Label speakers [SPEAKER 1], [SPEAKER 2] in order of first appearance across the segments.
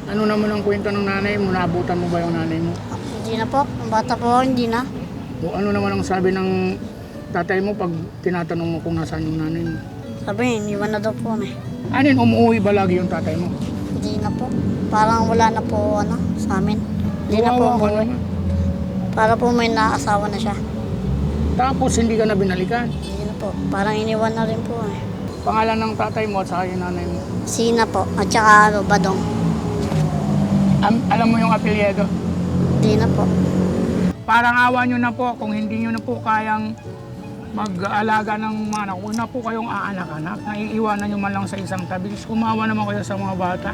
[SPEAKER 1] Ano naman ang kwento ng nanay mo? Naabutan mo ba yung nanay mo?
[SPEAKER 2] Hindi na po. Ang bata po, hindi na.
[SPEAKER 1] O ano naman ang sabi ng tatay mo pag tinatanong mo kung nasaan yung nanay mo?
[SPEAKER 2] Sabi, iniwan na daw po kami.
[SPEAKER 1] Anin, umuwi ba lagi yung tatay mo?
[SPEAKER 2] Hindi na po. Parang wala na po sa amin. Hindi na po
[SPEAKER 1] Kawawa ka
[SPEAKER 2] umuwi.
[SPEAKER 1] naman.
[SPEAKER 2] Para po may naasawa na siya.
[SPEAKER 1] Tapos hindi ka na binalikan.
[SPEAKER 2] Hindi na po. Parang iniwan na rin po kami.
[SPEAKER 1] Pangalan ng tatay mo at saka yung nanay mo.
[SPEAKER 2] Sina po. At saka Badong.
[SPEAKER 1] Alam mo yung apelyido?
[SPEAKER 2] Hindi na po.
[SPEAKER 1] Parang awa nyo na po kung hindi nyo na po kayang mag-aalaga ng mga anak. Huwag na po kayong aanak-anak. Naiiwanan nyo man lang sa isang tabi. Kumawa naman kayo sa mga bata.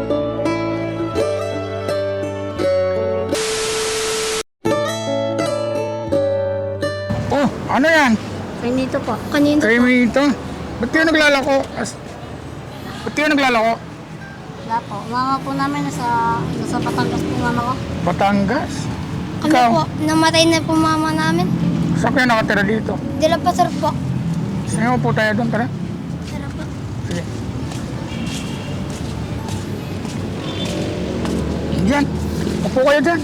[SPEAKER 1] Oh, ano yan?
[SPEAKER 2] Kanito po.
[SPEAKER 3] Kanino
[SPEAKER 1] Kayo
[SPEAKER 3] po?
[SPEAKER 1] may ito. Ba't kayo naglalako? Ba't kayo naglalako?
[SPEAKER 2] Wala po. Mama po namin nasa Batangas po mama ko.
[SPEAKER 1] Batangas?
[SPEAKER 3] Ano
[SPEAKER 1] Ikaw?
[SPEAKER 3] po? Namatay na po mama namin.
[SPEAKER 1] Saan kayo nakatira dito?
[SPEAKER 3] Dila pa sir po.
[SPEAKER 1] Sige po tayo doon, tara.
[SPEAKER 3] Tara po.
[SPEAKER 1] Sige. Diyan. Upo kayo dyan.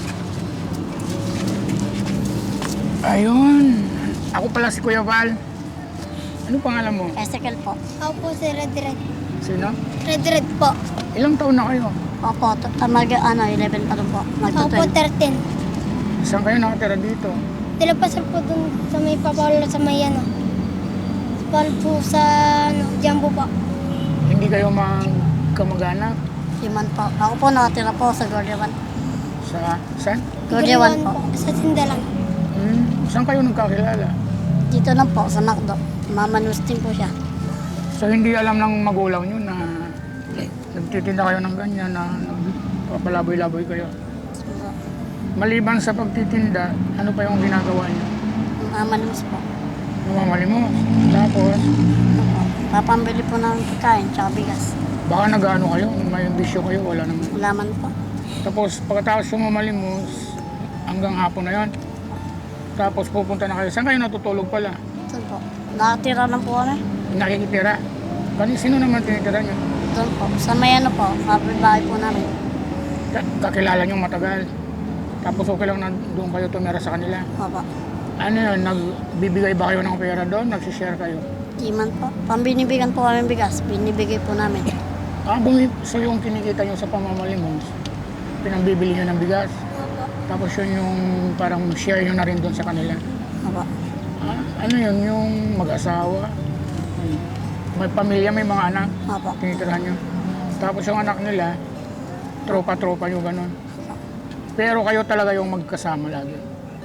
[SPEAKER 1] Ayun. Ako pala si Kuya Val. Ano pangalan mo?
[SPEAKER 2] Ezekiel po.
[SPEAKER 3] Ako po si Red Red.
[SPEAKER 1] Sino?
[SPEAKER 3] Red po.
[SPEAKER 1] Ilang taon na kayo?
[SPEAKER 2] Opo. 11 pa rin po.
[SPEAKER 3] Ako po
[SPEAKER 2] Magto-12.
[SPEAKER 3] 13.
[SPEAKER 1] Saan kayo nakatira dito?
[SPEAKER 3] Dila pa sir po dun sa may papalo sa may Pal po sa Jambo po.
[SPEAKER 1] Hindi kayo kamag-anak?
[SPEAKER 2] Siman po. Ako po nakatira po sa Gordiawan.
[SPEAKER 1] Saan?
[SPEAKER 2] Gordiawan po.
[SPEAKER 3] Sa Sindalan.
[SPEAKER 1] Saan kayo nagkakilala?
[SPEAKER 2] Dito lang po sa Macdo. Mama Nustin po siya.
[SPEAKER 1] So hindi alam ng magulang nyo na nagtitinda kayo ng ganyan, na nagpapalaboy-laboy kayo. Maliban sa pagtitinda, ano pa yung ginagawa nyo?
[SPEAKER 2] Mama Nus po.
[SPEAKER 1] Namamali mo. Tapos,
[SPEAKER 2] Opo. Papambili po ng pagkain tsaka bigas.
[SPEAKER 1] baka nag-ano kayo, may bisyo kayo, wala naman.
[SPEAKER 2] Ulaman po.
[SPEAKER 1] Tapos pagkatapos sumamalimos, hanggang hapon na yon. Tapos pupunta na kayo. Saan kayo natutulog pala?
[SPEAKER 2] Doon po. Nakatira lang po kami.
[SPEAKER 1] Nakikitira. Sino naman tinitira nyo?
[SPEAKER 2] Doon po. Sa may po. Kapit-bahay po namin.
[SPEAKER 1] Kakilala nyo matagal. Tapos okay lang na doon kayo tumira sa kanila.
[SPEAKER 2] Opo.
[SPEAKER 1] Ano yun, nagbibigay ba kayo ng pera doon? Nagsishare kayo?
[SPEAKER 2] Di man po. Pambinibigan po kami bigas. Binibigay po namin.
[SPEAKER 1] So yung kinikita nyo sa pamamalimos, pinambibili nyo ng bigas.
[SPEAKER 3] Opo.
[SPEAKER 1] Tapos yun yung parang share nyo na rin doon sa kanila.
[SPEAKER 2] Opo.
[SPEAKER 1] Ano yun, yung mag-asawa, may pamilya, may mga anak,
[SPEAKER 2] Opo.
[SPEAKER 1] tinitirahan nyo. Tapos yung anak nila, tropa-tropa nyo gano'n. Pero kayo talaga yung magkasama lagi.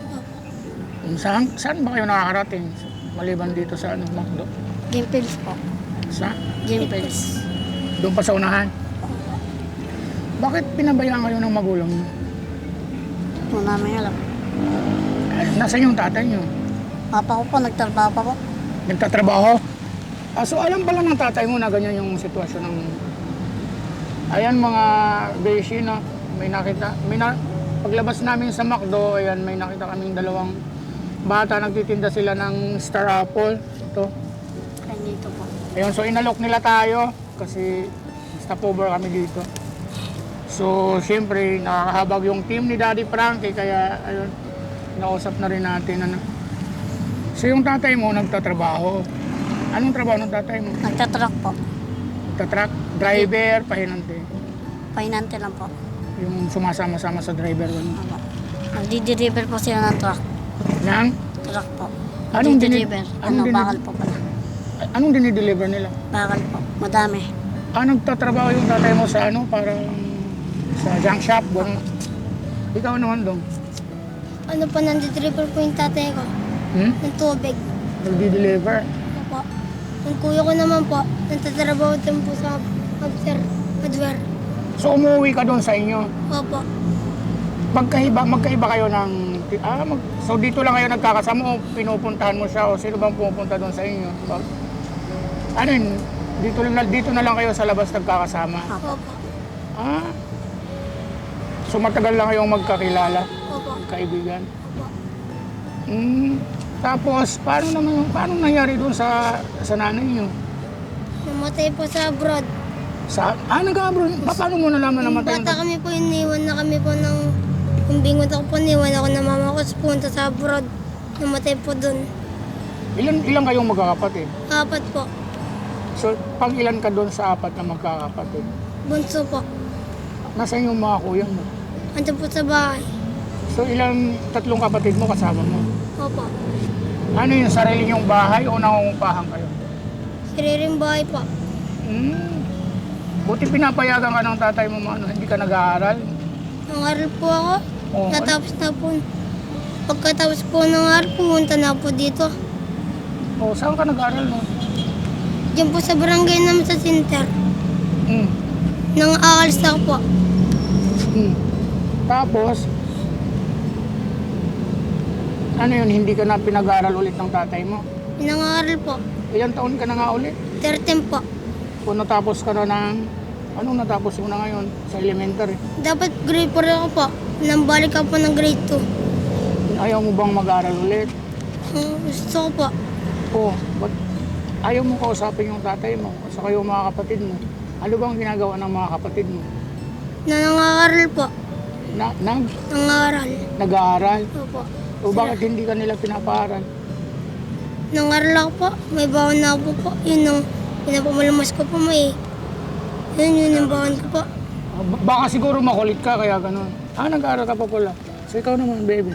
[SPEAKER 1] Saan ba kayo nakakarating? Maliban dito sa Macdo?
[SPEAKER 2] Gimpils po.
[SPEAKER 1] Sa?
[SPEAKER 2] Gimpils.
[SPEAKER 1] Doon pa sa unahan? Bakit pinabayaan kayo ng magulang nyo?
[SPEAKER 2] Po namin alam.
[SPEAKER 1] Nasaan yung tatay nyo?
[SPEAKER 2] Papa ko po. Nagtrabaho pa po.
[SPEAKER 1] Nagtatrabaho? So alam pala ng tatay mo na ganyan yung sitwasyon ng... Ayan mga beshi, no? Paglabas namin sa McDo, ayan, may nakita kaming dalawang bata, nagtitinda sila ng Star Apple. Ito.
[SPEAKER 2] Kaya dito po.
[SPEAKER 1] Ayun, so inalok nila tayo kasi stopover kami dito. So, siyempre, nakakahabag yung team ni Daddy Frankie, kaya, ayun, nausap na rin natin, ano. So, yung tatay mo, nagtatrabaho. Anong trabaho ng tatay mo?
[SPEAKER 2] Nagtatruck po.
[SPEAKER 1] Nagtatruck, driver, pahinante.
[SPEAKER 2] Pahinante lang po.
[SPEAKER 1] Yung sumasama-sama sa driver. Ano.
[SPEAKER 2] Opo. Nagdi-deliver po sila ng truck.
[SPEAKER 1] Nang,
[SPEAKER 2] Truck po.
[SPEAKER 1] Anong
[SPEAKER 2] Nagdi-deliver.
[SPEAKER 1] anong
[SPEAKER 2] Bakal po pala.
[SPEAKER 1] anong dinideliver nila?
[SPEAKER 2] Bakal po. Madami.
[SPEAKER 1] Nagtatrabaho yung tatay mo sa parang sa junk shop, gano'n. Ikaw naman dong.
[SPEAKER 3] Ano po, nandidriver po yung tatay ko. Ng tubig.
[SPEAKER 1] Nagdi-deliver.
[SPEAKER 3] Opo. Yung kuya ko naman po, nagtatrabaho din po sa hardware.
[SPEAKER 1] So umuwi ka doon sa inyo.
[SPEAKER 3] Opo.
[SPEAKER 1] Magkaiba kayo ng... so dito lang kayo nagkakasama o pinupuntahan mo siya o sino bang pupunta doon sa inyo? Ano yun? Dito na lang kayo sa labas nagkakasama?
[SPEAKER 3] Opo.
[SPEAKER 1] So matagal lang kayong magkakilala?
[SPEAKER 3] Opo.
[SPEAKER 1] Kaibigan?
[SPEAKER 3] Opo.
[SPEAKER 1] Tapos, paano nangyari doon sa nanay niyo?
[SPEAKER 3] Namatay po sa abroad.
[SPEAKER 1] Nag-abroad? Paano mo nalaman na matay?
[SPEAKER 3] Bata kami po, iniwan na kami po ng... Kung bingot ako po, iniwan ako ng mama ko. Punta sa abroad. Namatay po doon.
[SPEAKER 1] Ilan kayong magkakapatid?
[SPEAKER 3] 4 po.
[SPEAKER 1] So, pang ilan ka doon sa 4 na magkakapatid?
[SPEAKER 3] Bunso po.
[SPEAKER 1] Nasaan yung mga kuya mo?
[SPEAKER 3] Andiyan po sa bahay.
[SPEAKER 1] So, 3 kapatid mo kasama mo?
[SPEAKER 3] Opo.
[SPEAKER 1] Ano yung sarili niyong bahay o nangungupahan kayo?
[SPEAKER 3] Sariling bahay po.
[SPEAKER 1] Buti pinapayagan ka ng tatay mo, hindi ka nag-aaral?
[SPEAKER 3] Nangaral po ako.
[SPEAKER 1] Oo.
[SPEAKER 3] Natapos na po. Pagkatapos po ng aral, pumunta na po dito.
[SPEAKER 1] O, saan ka nag-aaral mo?
[SPEAKER 3] Diyan po sa barangay namin sa center.
[SPEAKER 1] Mm.
[SPEAKER 3] Nang aalis na ako po.
[SPEAKER 1] Tapos, ano yun, hindi ka na pinag-aaral ulit ng tatay mo?
[SPEAKER 3] Nangaral po.
[SPEAKER 1] Ilang taon ka na nga ulit?
[SPEAKER 3] 13 po.
[SPEAKER 1] Kung natapos ka na ng, anong natapos mo na ngayon sa elementary?
[SPEAKER 3] Dapat grade 4 ako po. Nang balik ako po ng grade 2.
[SPEAKER 1] Ayaw mo bang mag-aaral ulit?
[SPEAKER 3] Gusto ko po.
[SPEAKER 1] O, ba't ayaw mo kausapin yung tatay mo at saka yung mga kapatid mo? Ano bang ginagawa ng mga kapatid mo?
[SPEAKER 3] Nangangaral po. Nangaral.
[SPEAKER 1] Nag-aaral?
[SPEAKER 3] Opo.
[SPEAKER 1] O bakit hindi ka nila pinapaaral?
[SPEAKER 3] Nangaral ako po. May bawon na ako po. Yun ang pinapamalamas ko po may. Yun yung bawon ko po.
[SPEAKER 1] Baka siguro makulit ka kaya ganun. Nag-aaral ka pa pala. So ikaw naman, baby.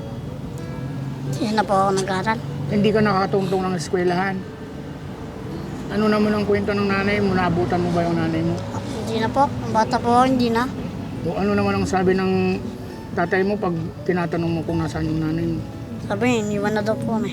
[SPEAKER 2] Hindi na po ako nag-aral.
[SPEAKER 1] Hindi ka nakatungtong ng eskwelahan. Ano naman ang kwento ng nanay mo? Naabutan mo ba yung nanay mo?
[SPEAKER 2] Hindi na po. Ang bata po ako, hindi na.
[SPEAKER 1] O ano naman ang sabi ng tatay mo pag tinatanong mo kung nasaan yung nanay mo?
[SPEAKER 2] Sabi, iniwan na daw po kami.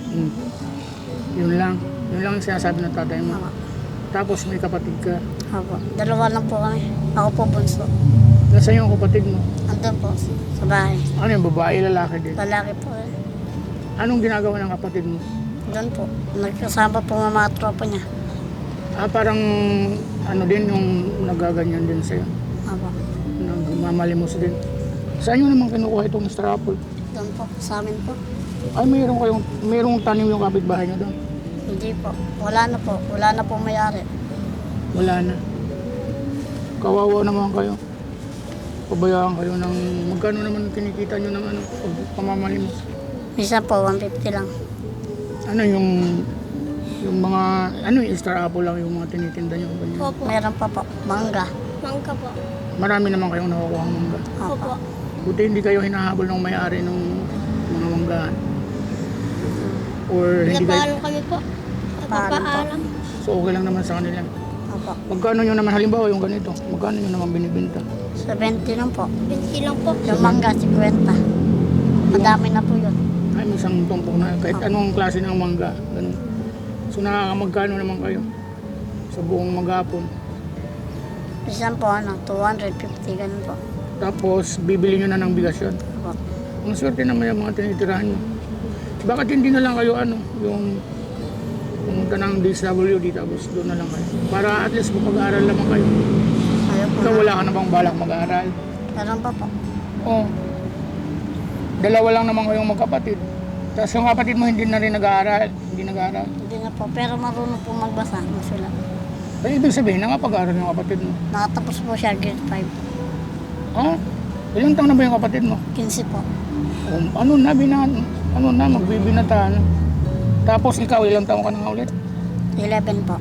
[SPEAKER 1] Yun lang. Yun lang ang sinasabi ng tatay mo.
[SPEAKER 2] Tama.
[SPEAKER 1] Tapos may kapatid ka.
[SPEAKER 2] Opo. 2 lang po kami. Ako po bunso.
[SPEAKER 1] Nasaan yung kapatid mo?
[SPEAKER 2] Andun po sa bahay.
[SPEAKER 1] Ano yung babae, lalaki din?
[SPEAKER 2] Lalaki po.
[SPEAKER 1] Anong ginagawa ng kapatid mo?
[SPEAKER 2] Doon po. Nagkasama po ng mga tropa niya.
[SPEAKER 1] Parang ano din yung nagaganyan din sa'yo.
[SPEAKER 2] Opo.
[SPEAKER 1] Nagmamalimos din. Saan nyo naman kinukuha itong Mr. Apple?
[SPEAKER 2] Doon po. Sa amin po.
[SPEAKER 1] Ay, mayroong tanim yung kapitbahay nyo doon?
[SPEAKER 2] Hindi po. Wala na po. Wala na po may-ari.
[SPEAKER 1] Wala na. Kawawa naman kayo. Pabayaan kayo ng magkano naman kinikita nyo ng pamamalimos?
[SPEAKER 2] Minsan po, 150 lang.
[SPEAKER 1] Ano yung mga, yung Star Apple lang yung mga tinitinda nyo? Ganyan.
[SPEAKER 3] Opo.
[SPEAKER 2] Meron pa po. Mangga.
[SPEAKER 3] Mangka po.
[SPEAKER 1] Marami naman kayong nakukuha ng mangga.
[SPEAKER 2] Opo.
[SPEAKER 1] Buti hindi kayo hinahabol ng may-ari ng mga manggahan. Or hindi kayo,
[SPEAKER 3] Napaalam kami po. Napapaalam.
[SPEAKER 1] so okay lang naman sa kanila.
[SPEAKER 2] Opo.
[SPEAKER 1] Magkano nyo naman, halimbawa yung ganito, magkano nyo naman binibenta?
[SPEAKER 2] 70 lang po.
[SPEAKER 3] 20 lang po.
[SPEAKER 2] Yung mangga, 50. Madami na po yun.
[SPEAKER 1] Ay, may isang tumpok na, kahit anong klase ng mangga. Ganun. So nakakamagkano naman kayo sa buong maghapon.
[SPEAKER 2] Minsan po, 250, ganun po.
[SPEAKER 1] Tapos, bibili nyo na ng bigas yun.
[SPEAKER 2] Opo.
[SPEAKER 1] Ang swerte naman yung mga tinitirahan nyo. Bakit hindi na lang kayo yung pumunta ng DSWD tapos doon na lang kayo? Para at least mapag-aaral naman kayo.
[SPEAKER 2] Ayaw po
[SPEAKER 1] Ikaw
[SPEAKER 2] na.
[SPEAKER 1] wala ka na bang balak mag-aaral?
[SPEAKER 2] Meron pa po.
[SPEAKER 1] Oo. Dalawa lang naman kayong magkapatid. Tapos yung kapatid mo hindi na rin nag-aaral. Hindi nag-aaral.
[SPEAKER 2] Hindi na po. Pero marunong po magbasa. Masulat.
[SPEAKER 1] Ay, ibig sabihin, nakapag-aaral yung kapatid mo.
[SPEAKER 2] Nakatapos po siya grade 5.
[SPEAKER 1] Ilang taon na ba yung kapatid mo?
[SPEAKER 2] 15 po.
[SPEAKER 1] Magbibinata na. Tapos ikaw, ilang taon ka na nga ulit?
[SPEAKER 2] 11 po.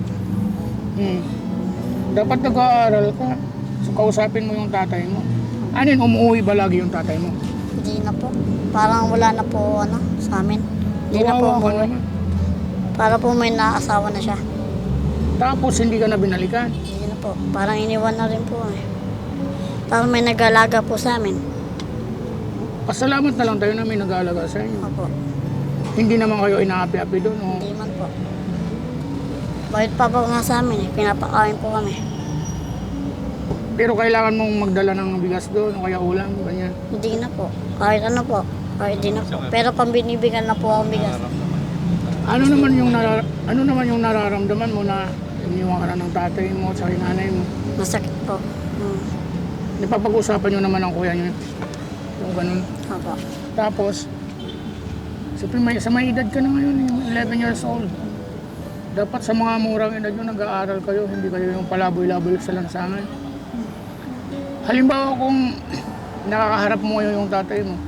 [SPEAKER 1] Dapat nag-aaral ka. So, kausapin mo yung tatay mo. Umuwi ba lagi yung tatay mo?
[SPEAKER 2] Hindi na po. Parang wala na po sa amin. Hindi na po
[SPEAKER 1] Kawawa ka
[SPEAKER 2] umuwi.
[SPEAKER 1] naman.
[SPEAKER 2] Para po may naasawa na siya.
[SPEAKER 1] Tapos hindi ka na binalikan.
[SPEAKER 2] Hindi na po. Parang iniwan na rin po eh. Parang may nag-alaga po sa amin.
[SPEAKER 1] Pasalamat na lang tayo na may nag-aalaga sa inyo.
[SPEAKER 2] Opo.
[SPEAKER 1] Hindi naman kayo inaapi-api doon. O.
[SPEAKER 2] Hindi man po. Bakit pa po nga sa amin eh. Pinapakain po kami.
[SPEAKER 1] Pero kailangan mong magdala ng bigas doon o kaya ulam, ganyan.
[SPEAKER 2] Hindi na po. Kahit ano po. Kahit di na po. Pero pang binibigyan na po akong bigas.
[SPEAKER 1] Ano naman yung nararamdaman mo na iniwan ka na ng tatay mo at sa nanay mo?
[SPEAKER 2] Masakit po.
[SPEAKER 1] Napapag-usapan nyo naman ang kuya nyo. Yung ganun.
[SPEAKER 2] Opo.
[SPEAKER 1] Tapos, siyempre sa may edad ka na ngayon, yung 11 years old. Dapat sa mga murang edad nyo, nag-aaral kayo, hindi kayo yung palaboy-laboy sa lansangan. Halimbawa kung nakakaharap mo ngayon yung tatay mo,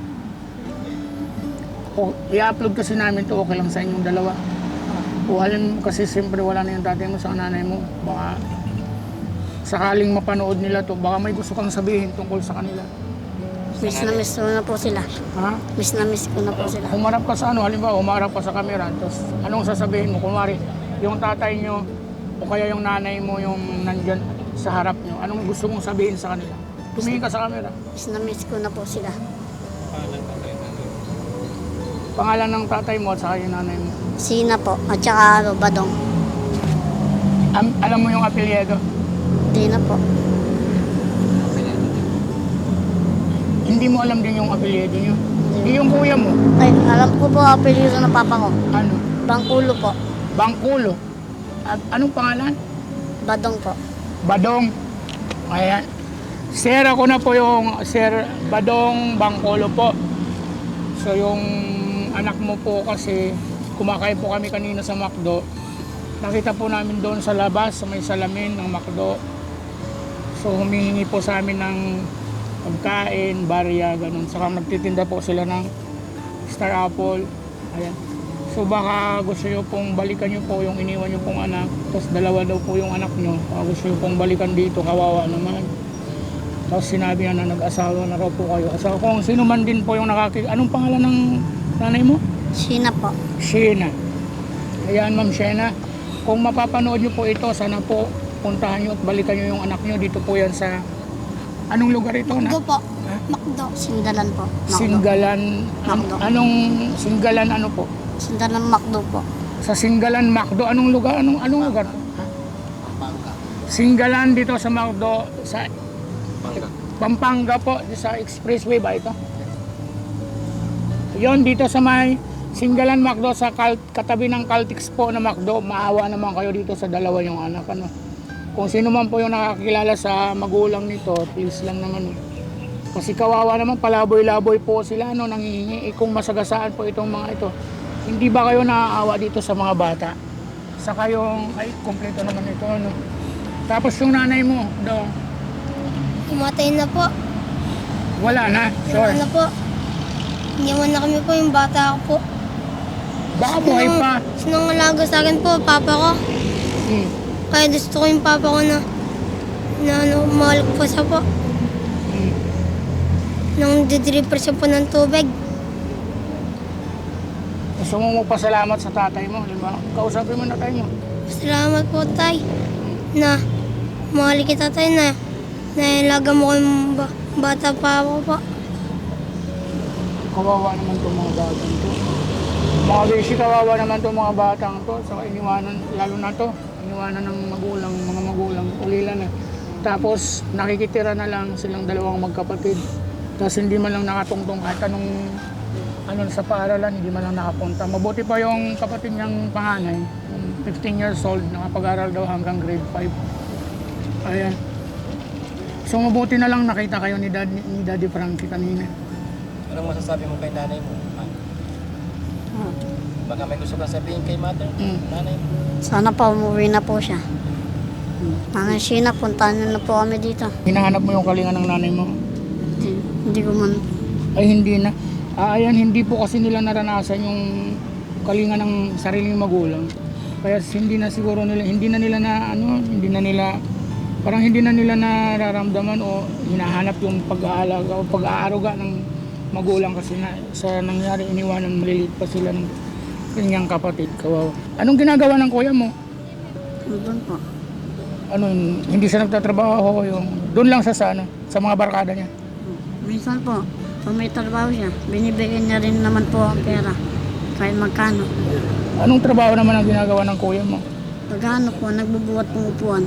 [SPEAKER 1] o i-upload kasi namin to, okay lang sa inyong dalawa. O kasi siyempre wala na yung tatay mo sa nanay mo, baka sakaling mapanood nila to, baka may gusto kang sabihin tungkol sa kanila.
[SPEAKER 2] Miss na miss ko na po sila.
[SPEAKER 1] Ha?
[SPEAKER 2] Miss na miss ko na po sila.
[SPEAKER 1] Humarap ka sa ano, halimbawa humarap ka sa camera, tapos anong sasabihin mo? Kunwari, yung tatay nyo o kaya yung nanay mo yung nandyan sa harap nyo, anong gusto mong sabihin sa kanila? Tumingin ka sa camera.
[SPEAKER 2] Miss na miss ko na po sila.
[SPEAKER 1] Pangalan ng tatay mo at saka yung nanay mo.
[SPEAKER 2] Sina po, at saka Badong.
[SPEAKER 1] Alam mo yung apelyido?
[SPEAKER 2] Di na po.
[SPEAKER 1] Hindi mo alam din yung apelyido nyo. Yung kuya mo,
[SPEAKER 2] Ay, alam ko po apelyido ng papa ko.
[SPEAKER 1] ano?
[SPEAKER 2] Bangkulo po.
[SPEAKER 1] Bangkulo. At anong pangalan?
[SPEAKER 2] Badong po.
[SPEAKER 1] Badong. Ayan. Sir, ako na po yung Sir Badong Bangkulo po. So yung anak mo po kasi kumakain po kami kanina sa McDo. Nakita po namin doon sa labas sa may salamin ng McDo. So humihingi po sa amin ng pagkain, barya, ganun. Saka nagtitinda po sila ng Star Apple. Ayan. So baka gusto nyo pong balikan nyo po yung iniwan nyo pong anak. Tapos dalawa daw po yung anak nyo. Baka gusto nyo pong balikan dito, kawawa naman. Tapos sinabi na nag-asawa na raw po kayo. So kung sino man din po yung anong pangalan ng nanay mo?
[SPEAKER 2] Sina po.
[SPEAKER 1] Sheena. Ayan, Ma'am Sheena. Kung mapapanood nyo po ito, sana po puntahan nyo at balikan nyo yung anak nyo. Dito po yan sa... Anong lugar ito na?
[SPEAKER 3] Makdo po. Makdo.
[SPEAKER 2] Sindalan po. Makdo.
[SPEAKER 1] Singgalan.
[SPEAKER 2] Macdo.
[SPEAKER 1] Anong Singgalan ano po?
[SPEAKER 2] Sindalan Makdo po.
[SPEAKER 1] Sa Singgalan, Macdo. Anong lugar? Anong lugar? Singgalan dito sa Macdo. Sa Pampanga po. Sa expressway ba ito? Yon dito sa may Singgalan Macdo sa katabi ng Caltex po na Macdo. Maawa naman kayo dito sa dalawa yung anak. Ano? Kung sino man po yung nakakilala sa magulang nito, please lang naman. Kasi kawawa naman, palaboy-laboy po sila, no, nangihingi. Kung masagasaan po itong mga ito, hindi ba kayo naaawa dito sa mga bata? Sa kayong, ay, kompleto naman ito, ano. Tapos yung nanay mo,
[SPEAKER 3] Umatay na po.
[SPEAKER 1] wala na,
[SPEAKER 3] Wala
[SPEAKER 1] sure.
[SPEAKER 3] na po. Iniwan na kami po yung bata ko po.
[SPEAKER 1] Baka buhay pa.
[SPEAKER 3] Sinangalaga sa akin po, papa ko.
[SPEAKER 1] Hmm.
[SPEAKER 3] Kaya gusto ko yung papa ko na mahal ko po siya po.
[SPEAKER 1] Hmm.
[SPEAKER 3] Nang didripper siya po ng tubig.
[SPEAKER 1] Gusto mo magpasalamat sa tatay mo, di ba? Kausapin mo na tayo mo.
[SPEAKER 3] Salamat po, tay. Na mahal kita, tay, na nailaga mo ko yung bata pa ako po.
[SPEAKER 1] Kawawa naman itong mga batang to. Mga beshi, kawawa naman itong mga batang to. Saka iniwanan, lalo na to, iniwanan ng magulang, mga magulang, ulila na. Tapos nakikitira na lang silang dalawang magkapatid. Tapos hindi man lang nakatungtong kahit anong sa paaralan, hindi man lang nakapunta. Mabuti pa yung kapatid niyang panganay, 15 years old, nakapag-aral daw hanggang grade 5. Ayan. So mabuti na lang nakita kayo ni Daddy Frankie kanina.
[SPEAKER 4] Anong masasabi mo kay nanay mo? Baka may gusto kang sabihin kay mother? Nanay mo?
[SPEAKER 2] Sana pa umuwi na po siya. Nanay Sina, puntahan niyo na po kami dito.
[SPEAKER 1] Hinahanap mo yung kalinga ng nanay mo?
[SPEAKER 2] Hindi ko man.
[SPEAKER 1] Ay hindi na. Ayan, hindi po kasi nila naranasan yung kalinga ng sariling magulang. Kaya hindi na siguro nila, hindi na nila parang hindi na nila nararamdaman o hinahanap yung pag-aalaga o pag-aaruga ng magulang kasi sa nangyari iniwanan maliliit pa sila ng kanyang kapatid. Kawawa. Anong ginagawa ng kuya mo?
[SPEAKER 2] Doon po.
[SPEAKER 1] Hindi siya nagtatrabaho doon lang sa mga barkada niya.
[SPEAKER 2] Minsan po, pag may trabaho siya, binibigyan niya rin naman po ang pera. Kahit magkano.
[SPEAKER 1] Anong trabaho naman ang ginagawa ng kuya mo?
[SPEAKER 2] Pag po, nagbubuhat ng upuan.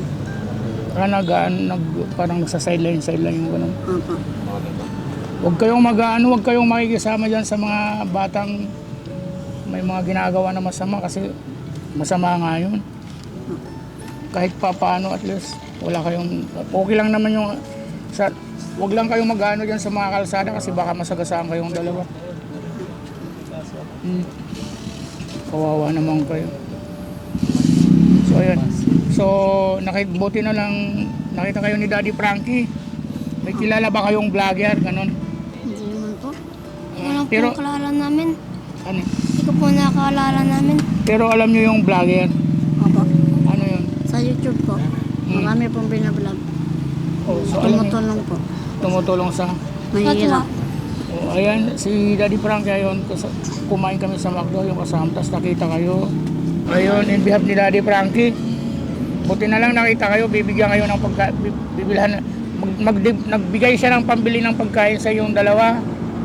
[SPEAKER 1] Parang sa sideline yung ganun.
[SPEAKER 2] Opo.
[SPEAKER 1] Huwag kayong makikisama dyan sa mga batang may mga ginagawa na masama kasi masama nga yun. Kahit pa paano at least okay lang naman huwag lang kayong mag-ano dyan sa mga kalsada kasi baka masagasaan kayong dalawa. Kawawa naman kayo. ayan. So, buti na lang nakita kayo ni Daddy Frankie. May kilala ba kayong vlogger? Ganon.
[SPEAKER 2] Hindi naman po.
[SPEAKER 3] Ikaw lang po
[SPEAKER 1] Pero-
[SPEAKER 3] nakalala namin.
[SPEAKER 1] Ano?
[SPEAKER 3] Ikaw po nakalala namin.
[SPEAKER 1] Pero alam nyo yung vlogger?
[SPEAKER 2] Opo.
[SPEAKER 1] Ano yun?
[SPEAKER 2] Sa YouTube po. Marami pong binablog.
[SPEAKER 1] Oh, so alam nyo,
[SPEAKER 2] Tumutulong po.
[SPEAKER 1] tumutulong sa...
[SPEAKER 2] Mahirap.
[SPEAKER 1] Oh, ayan, si Daddy Frankie ayun, kumain kami sa McDo, yung kasama, tapos nakita kayo. Ayun, in behalf ni Daddy Frankie. Buti na lang nakita kayo, bibigyan kayo ng bibilhan, nagbigay siya ng pambili ng pagkain sa yung dalawa.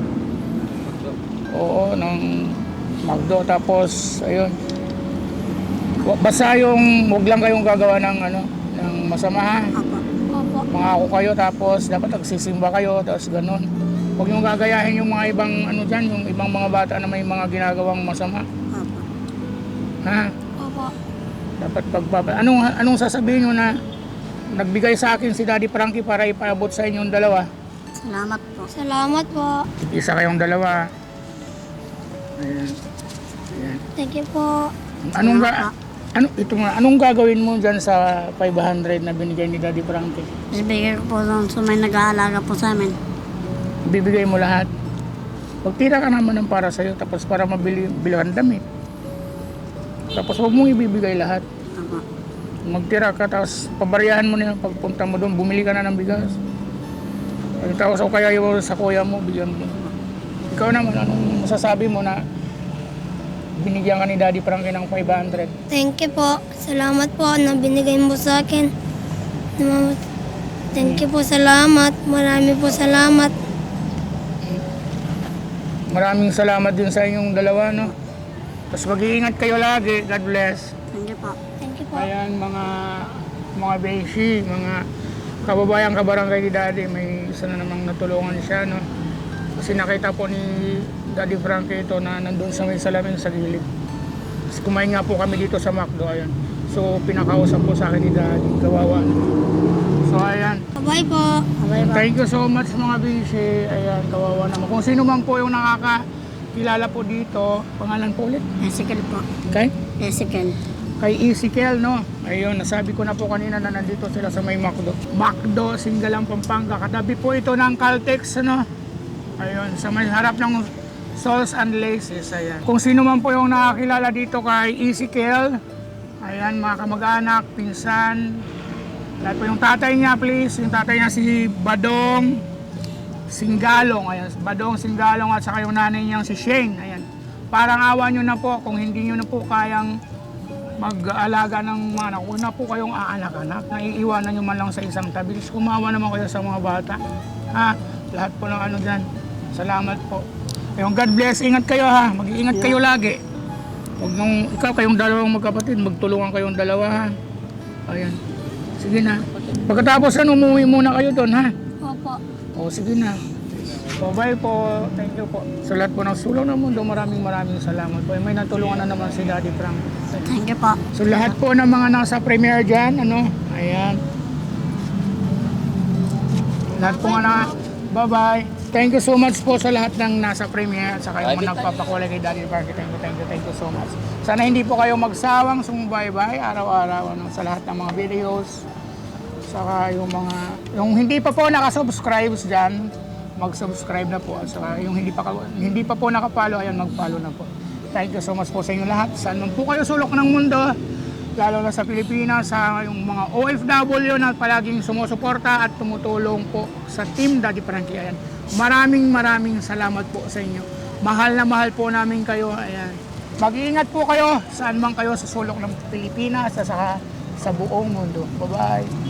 [SPEAKER 1] Oo, ng McDo, tapos ayun. Basta yung, huwag lang kayong gagawa ng ano, ng masama ha.
[SPEAKER 2] Opo.
[SPEAKER 3] Opo.
[SPEAKER 1] Mangako kayo, tapos dapat nagsisimba kayo, tapos ganun. Huwag yung gagayahin yung mga ibang ano dyan, yung ibang mga bata na may mga ginagawang masama.
[SPEAKER 2] Opo.
[SPEAKER 1] Ha?
[SPEAKER 3] Opo.
[SPEAKER 1] Dapat anong sasabihin nyo na nagbigay sa akin si Daddy Frankie para ipaabot sa inyong dalawa?
[SPEAKER 2] Salamat po.
[SPEAKER 3] Salamat po.
[SPEAKER 1] Isa kayong dalawa. Ayan. Ayan.
[SPEAKER 3] Thank you po.
[SPEAKER 1] Anong gagawin mo dyan sa 500 na binigay ni Daddy Frankie?
[SPEAKER 2] Ibigay ko po doon sa may nag-aalaga po sa amin.
[SPEAKER 1] Bibigay mo lahat. Pagtira ka naman ng para sa'yo, tapos para bilihan damit. Tapos huwag mong ibibigay lahat.
[SPEAKER 2] Opo.
[SPEAKER 1] Magtira ka, tapos pabariyahan mo na yun. Pagpunta mo doon, bumili ka na ng bigas. Tapos o kaya yung sa kuya mo, bigyan mo. Ikaw naman, anong masasabi mo na binigyan ka ni Daddy Frankie ng 500?
[SPEAKER 3] Thank you po. Salamat po na binigay mo sa akin. Thank you po. Salamat. Marami po salamat.
[SPEAKER 1] Maraming salamat din sa inyong dalawa, no? Tapos mag-iingat kayo lagi. God bless.
[SPEAKER 2] Thank you po.
[SPEAKER 3] Thank you po.
[SPEAKER 1] Ayan, mga beshi, mga kababayang kabarangay ni Daddy, may isa na namang natulungan siya, no? Kasi nakita po ni Daddy Frankie ito na nandun sa may salamin sa gilid. Tapos kumain nga po kami dito sa McDo, ayan. So pinakausap po sa akin ni Daddy, kawawa. So ayan,
[SPEAKER 3] Bye po.
[SPEAKER 2] Bye-bye.
[SPEAKER 1] thank you so much mga beshi. Ayan, kawawa naman. Kung sino man po yung nakakakilala po dito, pangalan po ulit?
[SPEAKER 2] Ezekiel po.
[SPEAKER 1] Okay?
[SPEAKER 2] Ezekiel.
[SPEAKER 1] Kay Ezekiel, no? Ayun, nasabi ko na po kanina na nandito sila sa may McDo. McDo, Singalang, Pampanga. Katabi po ito ng Caltex, no? Ayun, sa may harap ng Sauce and Laces, ayan. Kung sino man po yung nakakilala dito kay Ezekiel, ayan, mga kamag-anak, pinsan, lahat po yung tatay niya, please. Yung tatay niya si Badong Singalong, ayan. Badong Singalong at saka yung nanay niyang si Shane, ayan. Parang awa nyo na po kung hindi nyo na po kayang mag-aalaga ng mga anak. Huwag na po kayong aanak-anak. Naiiwanan nyo man lang sa isang tabi. Kumawa naman kayo sa mga bata. Ha? Lahat po ng ano dyan. Salamat po. Ayun, God bless. Ingat kayo ha. Mag-iingat kayo lagi. Huwag nung, ikaw kayong dalawang magkapatid, magtulungan kayong dalawa ha. Ayan. Sige na. Pagkatapos umuwi muna kayo doon ha.
[SPEAKER 3] Opo.
[SPEAKER 1] O sige na. So bye po. Thank you po. Sa lahat po ng sulong ng mundo, maraming salamat po. May natulungan na naman si Daddy Frank.
[SPEAKER 2] Thank you po.
[SPEAKER 1] So lahat po ng mga nasa premiere dyan, ano, ayan. Lahat po nga na, bye-bye. Thank you so much po sa lahat ng nasa premiere at saka yung mga nagpapakulay kay Daddy Frank. Thank you so much. Sana hindi po kayo magsawang sumubaybay araw-araw ano, sa lahat ng mga videos. Saka yung hindi pa po nakasubscribe dyan, mag-subscribe na po. At saka yung hindi pa po nakapalo, ayan, mag-follow na po. Thank you so much po sa inyo lahat. Saan man po kayo sulok ng mundo, lalo na sa Pilipinas, sa yung mga OFW na palaging sumusuporta at tumutulong po sa Team Daddy Frankie. Ayan. Maraming salamat po sa inyo. Mahal na mahal po namin kayo. Ayan. Mag-iingat po kayo saan man kayo sa sulok ng Pilipinas at saka sa buong mundo. Bye-bye.